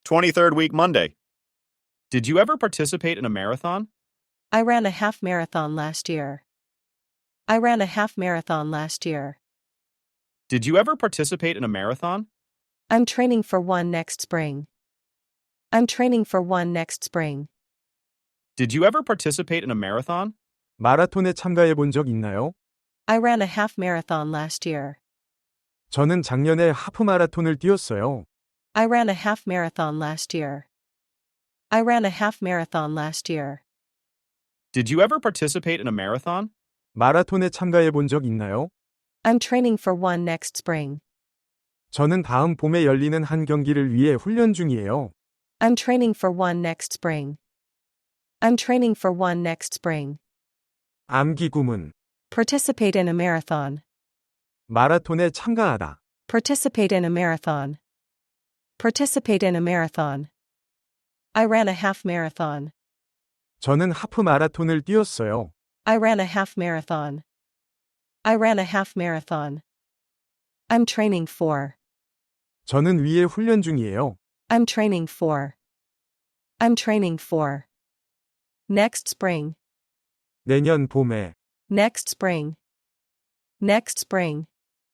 23rd week Monday. Did you ever participate in a marathon? I ran a half marathon last year. I ran a half marathon last year. Did you ever participate in a marathon? I'm training for one next spring. I'm training for one next spring. Did you ever participate in a marathon? 마라톤에 참가해 본 적 있나요? I ran a half marathon last year. 저는 작년에 하프 마라톤을 뛰었어요. I ran a half marathon last year. I ran a half marathon last year. Did you ever participate in a marathon? 마라톤에 참가해 본 적 있나요? I'm training for one next spring. 저는 다음 봄에 열리는 한 경기를 위해 훈련 중이에요. I'm training for one next spring. I'm training for one next spring. 암기 구문. Participate in a marathon. 마라톤에 참가하다. Participate in a marathon. Participate in a marathon. I ran a half marathon. 저는 하프 마라톤을 뛰었어요. I ran a half marathon. I ran a half marathon. I'm training for. 저는 위에 훈련 중이에요. I'm training for. I'm training for. Next spring. 내년 봄에. Next spring. Next spring.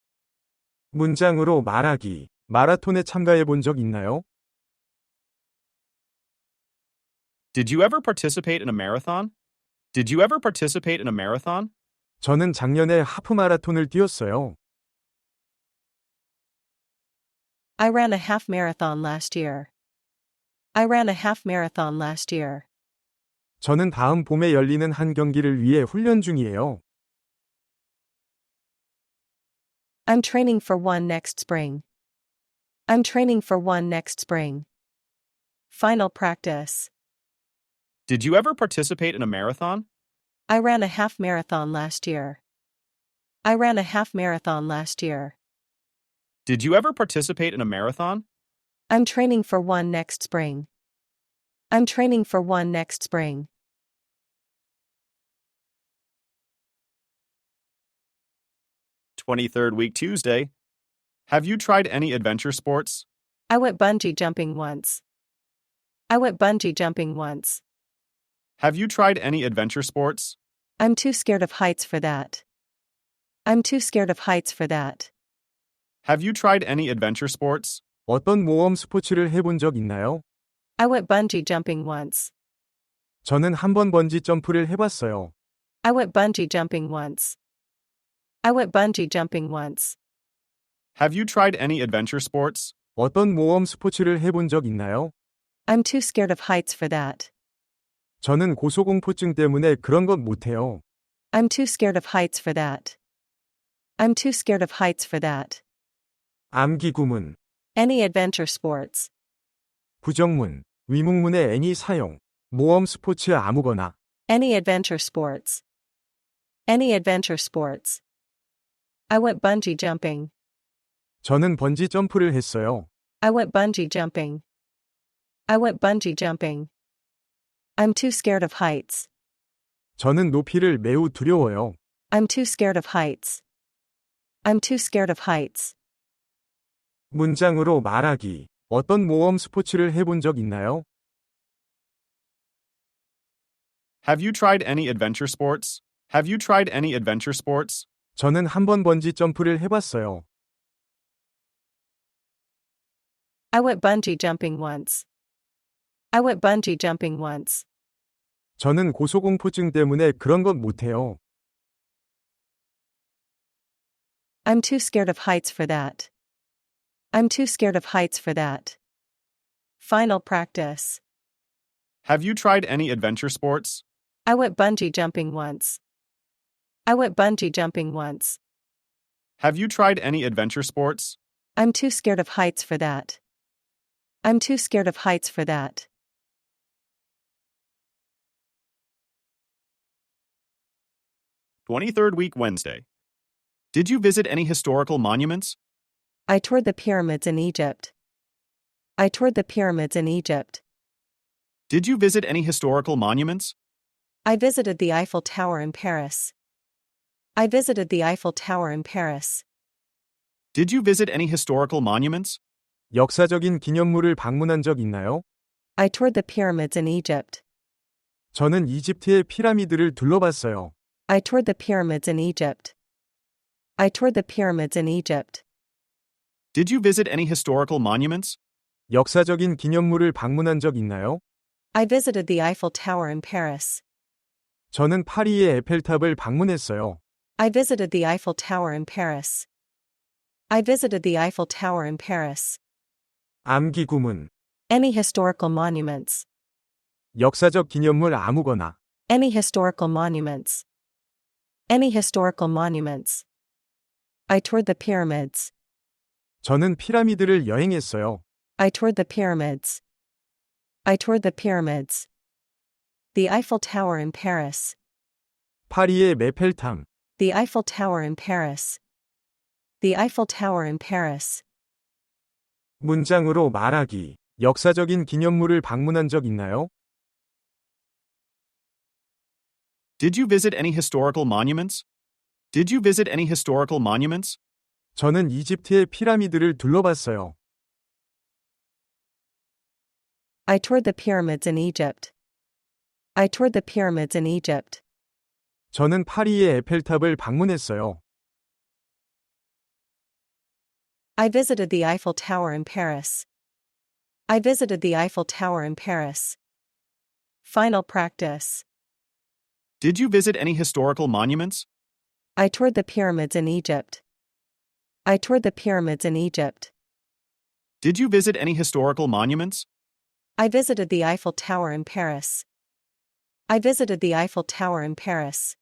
문장으로 말하기. 마라톤에 참가해 본 적 있나요? Did you ever participate in a marathon? Did you ever participate in a marathon? 저는 작년에 하프 마라톤을 뛰었어요. I ran a half marathon last year. I ran a half marathon last year. 저는 다음 봄에 열리는 한 경기를 위해 훈련 중이에요. I'm training for one next spring. I'm training for one next spring. Final practice. Did you ever participate in a marathon? I ran a half marathon last year. I ran a half marathon last year. Did you ever participate in a marathon? I'm training for one next spring. I'm training for one next spring. Twenty-third week Tuesday. Have you tried any adventure sports? I went bungee jumping once. I went bungee jumping once. Have you tried any adventure sports? I'm too scared of heights for that. I'm too scared of heights for that. Have you tried any adventure sports? 어떤 모험 스포츠를 해본 적 있나요? I went bungee jumping once. 저는 한 번 번지 점프를 해봤어요. I went bungee jumping once. I went bungee jumping once. Have you tried any adventure sports? 어떤 모험 스포츠를 해본 적 있나요? I'm too scared of heights for that. 저는 고소공포증 때문에 그런 것 못해요. I'm too scared of heights for that. I'm too scared of heights for that. 암기 구문. Any adventure sports. 부정문. 위문문의 any 사용. 모험 스포츠 아무거나. Any adventure sports. Any adventure sports. I went bungee jumping. 저는 번지 점프를 했어요. I went bungee jumping. I went bungee jumping. I'm too scared of heights. 저는 높이를 매우 두려워요. I'm too scared of heights. I'm too scared of heights. 문장으로 말하기. 어떤 모험 스포츠를 해본 적 있나요? Have you tried any adventure sports? Have you tried any adventure sports? 저는 한 번 번지 점프를 해봤어요. I went bungee jumping once. I went bungee jumping once. 저는 고소공포증 때문에 그런 것 못해요. I'm too scared of heights for that. I'm too scared of heights for that. Final practice. Have you tried any adventure sports? I went bungee jumping once. I went bungee jumping once. Have you tried any adventure sports? I'm too scared of heights for that. I'm too scared of heights for that. Twenty-third week Wednesday. Did you visit any historical monuments? I toured the pyramids in Egypt. I toured the pyramids in Egypt. Did you visit any historical monuments? I visited the Eiffel Tower in Paris. I visited the Eiffel Tower in Paris. Did you visit any historical monuments? 역사적인 기념물을 방문한 적 있나요? I toured the pyramids in Egypt. 저는 이집트의 피라미드를 둘러봤어요. I toured the pyramids in Egypt. I toured the pyramids in Egypt. Did you visit any historical monuments? 역사적인 기념물을 방문한 적 있나요? I visited the Eiffel Tower in Paris. 저는 파리의 에펠탑을 방문했어요. I visited the Eiffel Tower in Paris. I visited the Eiffel Tower in Paris. 암기 구문. Any historical monuments. 역사적 기념물 아무거나. Any historical monuments. Any historical monuments. I toured the pyramids. 저는 피라미드를 여행했어요. I toured the pyramids. I toured the pyramids. The Eiffel Tower in Paris. 파리의 메펠탑. The Eiffel Tower in Paris. The Eiffel Tower in Paris. 문장으로 말하기. 역사적인 기념물을 방문한 적 있나요? Did you visit any historical monuments? Did you visit any historical monuments? 저는 이집트의 피라미드를 둘러봤어요. I toured the pyramids in Egypt. I toured the pyramids in Egypt. 저는 파리의 에펠탑을 방문했어요. I visited the Eiffel Tower in Paris. I visited the Eiffel Tower in Paris. Final practice. Did you visit any historical monuments? I toured the pyramids in Egypt. I toured the pyramids in Egypt. Did you visit any historical monuments? I visited the Eiffel Tower in Paris. I visited the Eiffel Tower in Paris.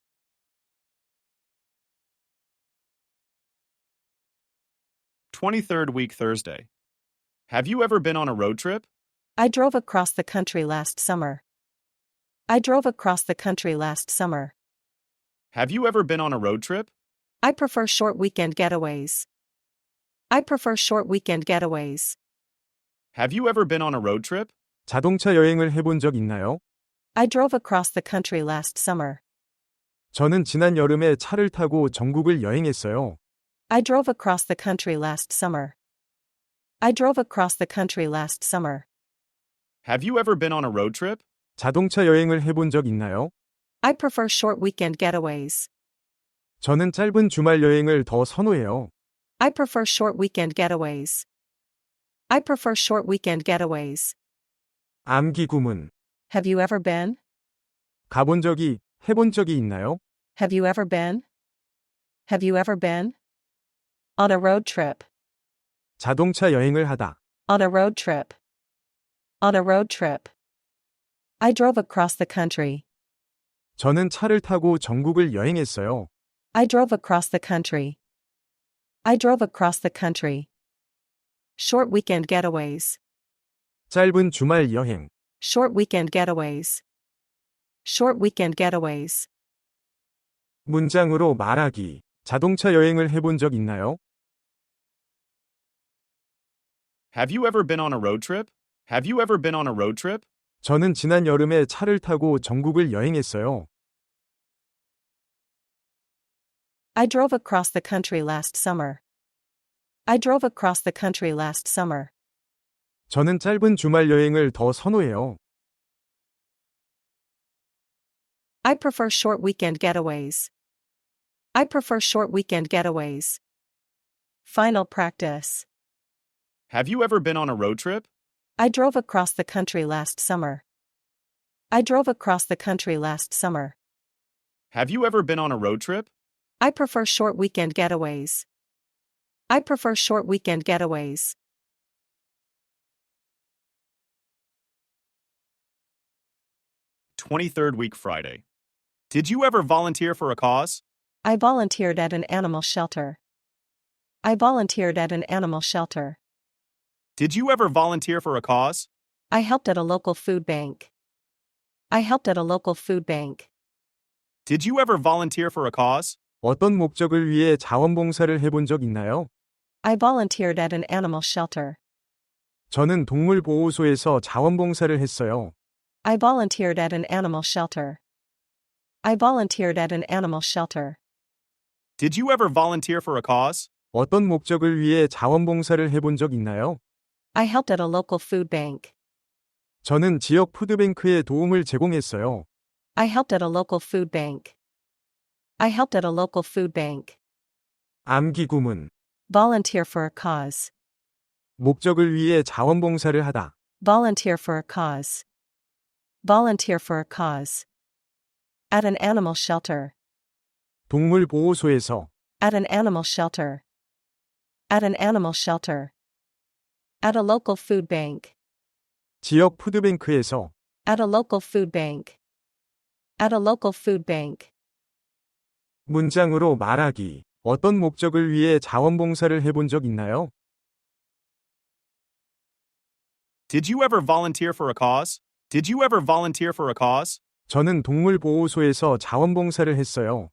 Twenty-third week Thursday. Have you ever been on a road trip? I drove across the country last summer. I drove across the country last summer. Have you ever been on a road trip? I prefer short weekend getaways. I prefer short weekend getaways. Have you ever been on a road trip? 자동차 여행을 해본 적 있나요? I drove across the country last summer. 저는 지난 여름에 차를 타고 전국을 여행했어요. I drove across the country last summer. I drove across the country last summer. Have you ever been on a road trip? 자동차 여행을 해본 적 있나요? I prefer short weekend getaways. 저는 짧은 주말 여행을 더 선호해요. I prefer short weekend getaways. I prefer short weekend getaways. 암기 구문. Have you ever been? 가본 적이, 해본 적이 있나요? Have you ever been? Have you ever been? On a road trip. 자동차 여행을 하다. On a road trip. On a road trip. I drove across the country. 저는 차를 타고 전국을 여행했어요. I drove across the country. I drove across the country. Short weekend getaways. 짧은 주말 여행. Short weekend getaways. Short weekend getaways. 문장으로 말하기. 자동차 여행을 해본 적 있나요? Have you ever been on a road trip? Have you ever been on a road trip? 저는 지난 여름에 차를 타고 전국을 여행했어요. I drove across the country last summer. I drove across the country last summer. 저는 짧은 주말 여행을 더 선호해요. I prefer short weekend getaways. I prefer short weekend getaways. Final practice. Have you ever been on a road trip? I drove across the country last summer. I drove across the country last summer. Have you ever been on a road trip? I prefer short weekend getaways. I prefer short weekend getaways. Twenty-third week Friday. Did you ever volunteer for a cause? I volunteered at an animal shelter. I volunteered at an animal shelter. Did you ever volunteer for a cause? I helped at a local food bank. I helped at a local food bank. Did you ever volunteer for a cause? 어떤 목적을 위해 자원봉사를 해본 적 있나요? I volunteered at an animal shelter. 저는 동물보호소에서 자원봉사를 했어요. I volunteered at an animal shelter. I volunteered at an animal shelter. Did you ever volunteer for a cause? 어떤 목적을 위해 자원봉사를 해본 적 있나요? I helped at a local food bank. 저는 지역 푸드뱅크에 도움을 제공했어요. I helped at a local food bank. I helped at a local food bank. 암기구문. Volunteer for a cause. 목적을 위해 자원봉사를 하다. Volunteer for a cause. Volunteer for a cause. At an animal shelter. 동물보호소에서. At an animal shelter. At an animal shelter. At a local food bank. 지역 푸드뱅크에서. At a local food bank. At a local food bank. 문장으로 말하기. 어떤 목적을 위해 자원봉사를 해본 적 있나요? Did you ever volunteer for a cause? Did you ever volunteer for a cause? 저는 동물보호소에서 자원봉사를 했어요.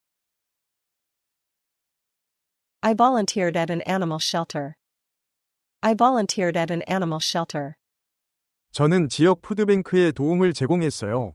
I volunteered at an animal shelter. I volunteered at an animal shelter. 저는 지역 푸드뱅크에 도움을 제공했어요.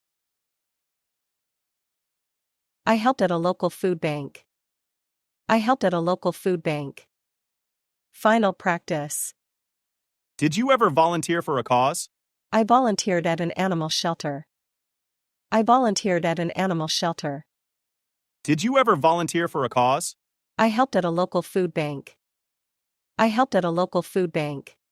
I helped at a local food bank. I helped at a local food bank. Final practice. Did you ever volunteer for a cause? I volunteered at an animal shelter. I volunteered at an animal shelter. Did you ever volunteer for a cause? I helped at a local food bank. I helped at a local food bank.